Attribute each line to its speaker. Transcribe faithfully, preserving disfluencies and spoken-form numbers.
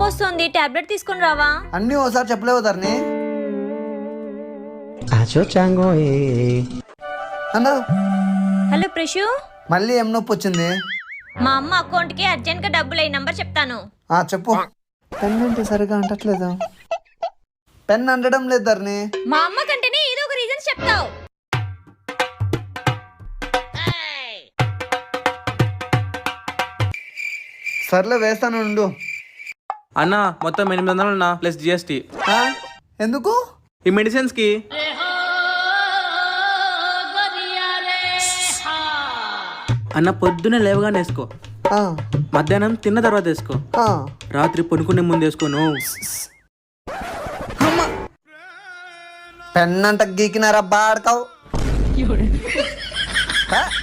Speaker 1: నొప్పి వస్తుంది, టాబ్లెట్ తీసుకుని రావా?
Speaker 2: అన్నీ ఓసారి చెప్పలేవు ధరణి. అన్నా
Speaker 1: హలో ప్రిషు,
Speaker 2: మళ్ళీ ఏం నొప్పి వచ్చింది?
Speaker 1: మా అమ్మ అకౌంట్ కి అర్జెంట్ గా డబ్బులు అయ్యి నంబర్ చెప్తాను.
Speaker 2: ఆ చెప్పు. పెన్ అంటే సరిగా అంటట్లేదు. పెన్ అంటడం లేదు ధరణి.
Speaker 1: మా అమ్మ కంటేనే ఏదో ఒక రీజన్ చెప్తావు.
Speaker 2: సర్లే వేస్తాను ఉండు.
Speaker 3: అన్న మొత్తం ఎనిమిది వందలు అన్న ప్లస్ జిఎస్టీ.
Speaker 2: ఆ? ఎందుకు?
Speaker 3: ఈ మెడిసిన్స్ కి. అన్న పొద్దున్నే లేవగానే వేసుకో,
Speaker 2: ఆ,
Speaker 3: మధ్యాహ్నం తిన్న తర్వాత వేసుకో,
Speaker 2: ఆ.
Speaker 3: రాత్రి పనుకునే ముందు వేసుకోను.
Speaker 2: పెన్ అంట గీకినారా బాడకావు.